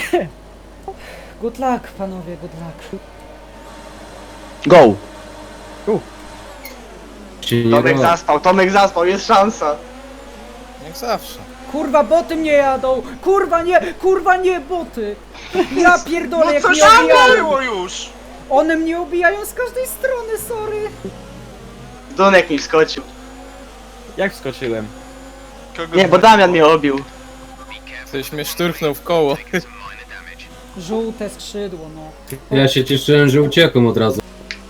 Good luck, panowie, good luck. Go! Tomek zaspał, jest szansa. Jak zawsze. Kurwa, boty mnie jadą! Kurwa nie, boty! Ja pierdolę, No jak co mnie się obijają! było już? One mnie obijają z każdej strony, sorry! Dunek mi wskoczył. Jak wskoczyłem? Kogo Nie, bo Damian mnie obił. Ktoś mnie szturchnął w koło. Żółte skrzydło, no. Ja się cieszyłem, że uciekłem od razu.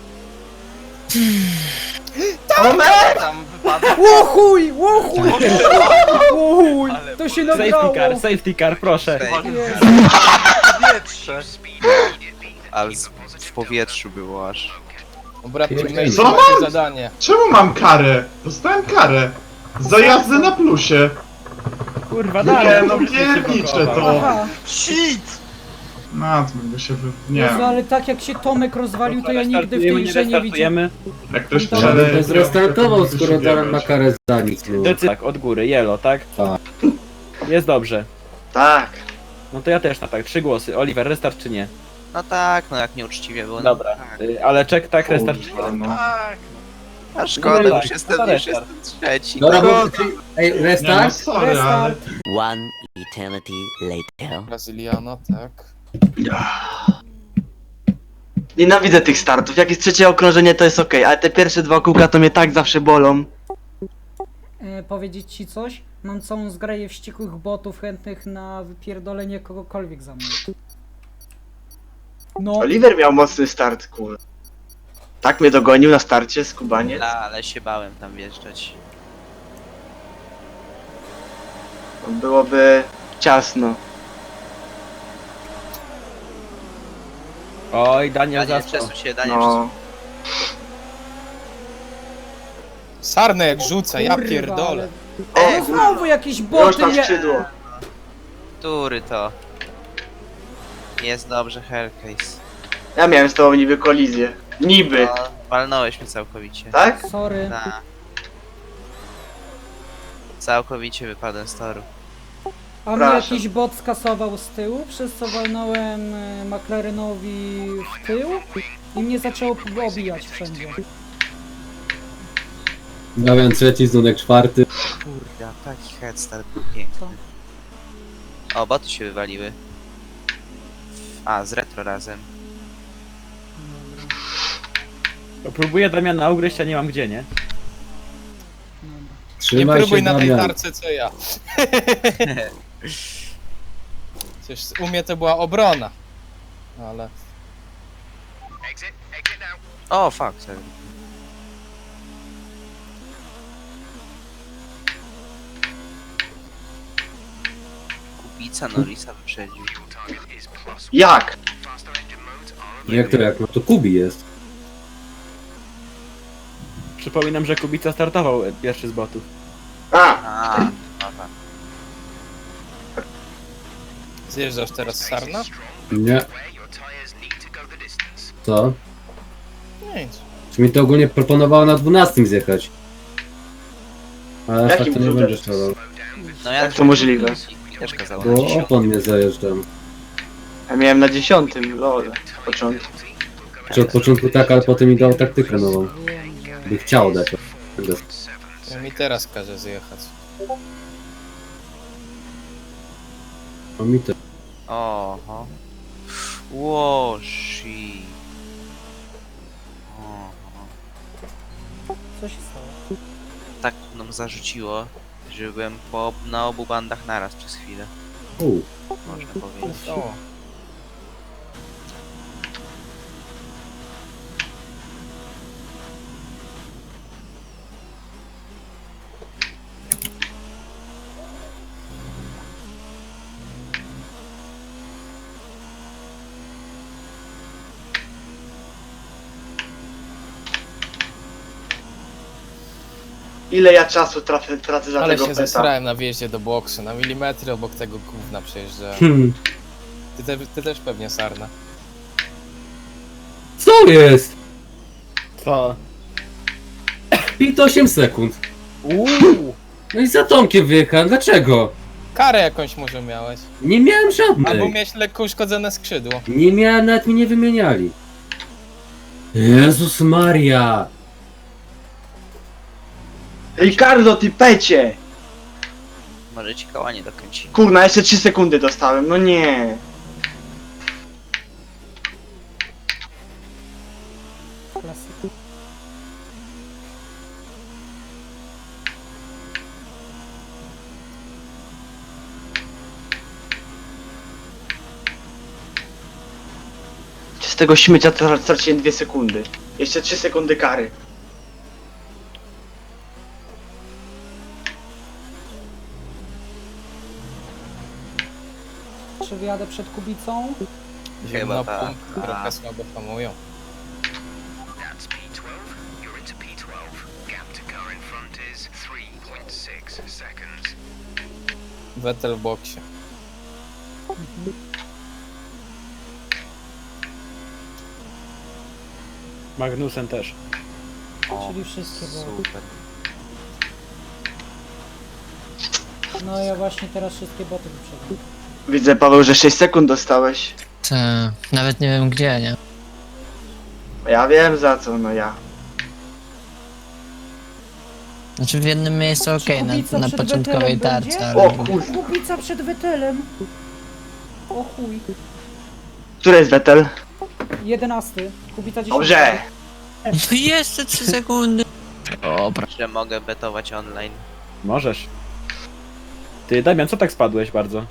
Tomek! tam wypadł? Łochuj! Łochuj! To się nagrało! Safety car, proszę. Jezu. Powietrze. Ale w powietrzu było aż. Dobra, teammate, Co macie mam? zadanie. Czemu mam karę? Dostałem karę. Za jazdę na plusie. Kurwa, Nie, dalej. no pierniczę to. Aha, Shit! No, to by się nie Jezu, ale tak jak się Tomek rozwalił, to ja nigdy w tej grze nie widziałem. Jak ktoś Ale Ale przeje, to zrestartował, skoro Darren ma karę za nic. No. Tak, od góry, yellow, tak? Tak. Jest dobrze. Tak. No to ja też na tak, 3 głosy. Oliver, restart czy nie? No tak, no jak nieuczciwie było. Dobra. No, tak. Ale czek, tak, restart czy nie? Kurwa, no. Tak. A szkoda, No już tak, jestem, to już restart. jestem trzeci. Dobra, No, bo... Ej, Nie no, restart? sorry, ale... One eternity later. Brazyliana, tak. Nienawidzę tych startów. Jak jest trzecie okrążenie, to jest okej, ale te pierwsze 2 kółka to mnie tak zawsze bolą. Powiedzieć ci coś? Mam całą zgraję wściekłych botów chętnych na wypierdolenie kogokolwiek za mną. No, Oliver miał mocny start, kur. Tak mnie dogonił na starcie, skubaniec. ale się bałem tam wjeżdżać. Byłoby ciasno. Oj, Daniel Daniel, zaspał. przesuń się, Daniel, przesuń. No. Sarnę jak rzuca, ja kurwa, pierdolę. ale... No znowu jakieś Już boty na mnie... skrzydło. Który to? Jest dobrze, Hellcase. Ja miałem z tobą niby kolizję. Niby, No, walnąłeś mnie całkowicie. tak? Sorry. Na. Całkowicie wypadłem z toru. A mnie Przepraszam. jakiś bot skasował z tyłu, przez co walnąłem McLarenowi w tył i mnie zaczęło obijać wszędzie. Damian trzeci, Zunek czwarty. Kurde, taki headstart był piękny. O, boty się wywaliły. A, z retro razem. Próbuję Damiana ugryźć, a nie mam gdzie, nie? Dobra. Nie Trzymaj próbuj się, na tej Damian. tarce co ja. Coś u mnie to była obrona. Ale... O, fuck, sorry. Kubica Norrisa wyprzedził. Jak? Jak to jak? No to Kubi jest. Przypominam, że Kubica startował pierwszy z botów. A, A, no tak. Zjeżdżasz teraz z Sarna? Nie. Co? Nic. Czy mi to ogólnie proponowało na 12 zjechać? Ale aż tak Jakim to nie cudem? będziesz robił. No ja Jak to możliwe? też kazałem na Bo 10. opon mnie zajeżdżam. ja miałem na 10, lol, początku. Czy od początku tak, ale potem mi dał taktykę nową. By chciał dać. To mi teraz każe zjechać. O mi to. Oho. Ło, shit. Oho. Co się stało? Tak nam zarzuciło, że byłem na obu bandach naraz przez chwilę, można powiedzieć. O, Ile ja czasu tracę za ale tego się peta. zesrałem na wjeździe do boksu, na milimetry obok tego gówna przejeżdżałem. Hmm. Ty też pewnie Sarna. Co jest? Co? 8 sekund. Uuu! No i za Tomkiem wyjechałem, dlaczego? Karę jakąś może miałeś. Nie miałem Albo żadnej. miałeś lekko uszkodzone skrzydło. Nie miałem, nawet mi nie wymieniali. Jezus Maria! Ricardo, ty pecie! Może ci koła nie dokręci. Kurna, jeszcze 3 sekundy dostałem, no nie. Klasyk. Z tego śmiecia straciłem 2 sekundy. Jeszcze 3 sekundy kary. Czy wyjadę przed Kubicą? Zimno tak. punkt, trochę słabo hamują. Vettel w boksie. Magnussen też. O, Czyli wszystkie były. super. No ja właśnie teraz wszystkie boty wyprzedzam. Widzę, Paweł, że 6 sekund dostałeś. Nawet nie wiem gdzie, nie? Ja wiem za co, no ja. Znaczy w jednym miejscu okej, Kubica na przed początkowej Vettelem tarczy, będzie? ale... O kurwa. Kubica przed Vettelem. O chuj. Który jest Vettel? 11. Kubica 10. Dobrze. No jeszcze 3 sekundy! Dobra. Że mogę betować online. Możesz. Ty, Damian, co tak spadłeś bardzo?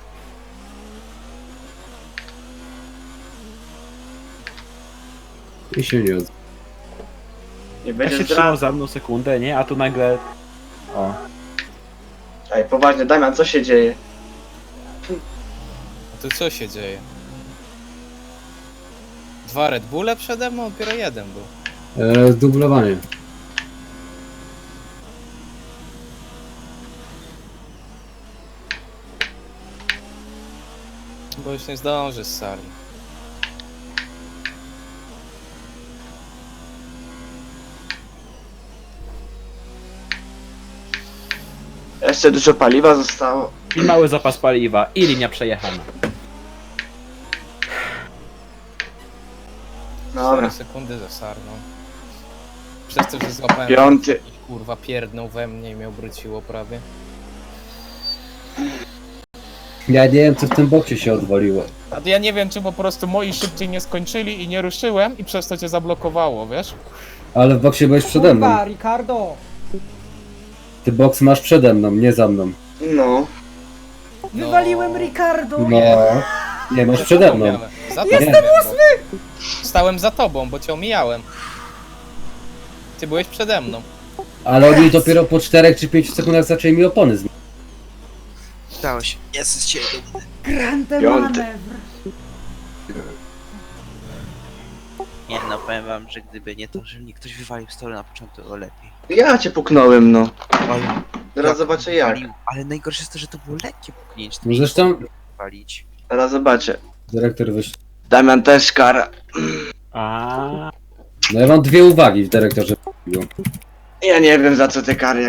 I się nie odzywa. Nie Ja będzie się trzymał zdrad. za mną sekundę, nie? A tu nagle... O. Ej, poważnie, Damian, co się dzieje? A tu co się dzieje? 2 Red Bulle przede mną, dopiero 1 był. Dublowanie. Bo już nie zdąży z sali. Jeszcze dużo paliwa zostało. I mały zapas paliwa, i linia przejechana. Dobra. 4 sekundy za sarną. Przez to, że złapałem... 5. jakiś, kurwa, pierdnął we mnie i mnie obróciło prawie. Ja nie wiem co w tym boksie się odwaliło. A ja nie wiem, czy po prostu moi szybciej nie skończyli i nie ruszyłem i przez to cię zablokowało, wiesz? Ale w boksie byłeś przede mną. Kurwa, Ricardo. Ty boks masz przede mną, nie za mną. No. Wywaliłem Ricardo. No. Nie, masz przede mną. Jestem 8! Stałem za tobą, bo cię omijałem. Ty byłeś przede mną. Ale oni dopiero po 4 czy 5 sekundach zaczęli mi opony zmieniać. Udało się. Jest z ciebie dumny. Grande 5. manewr. Nie no, powiem wam, że gdyby nie to, że mnie ktoś wywalił z toru na początku, to lepiej. Ja cię puknąłem, no. Ale, Teraz zobaczę jak. ale najgorsze jest to, że to było lekkie puknięcie. No zresztą Walić. Teraz zobaczę. dyrektor wyszedł. Damian też kara. A. No ja mam 2 uwagi w dyrektorze. Ja nie wiem za co te kary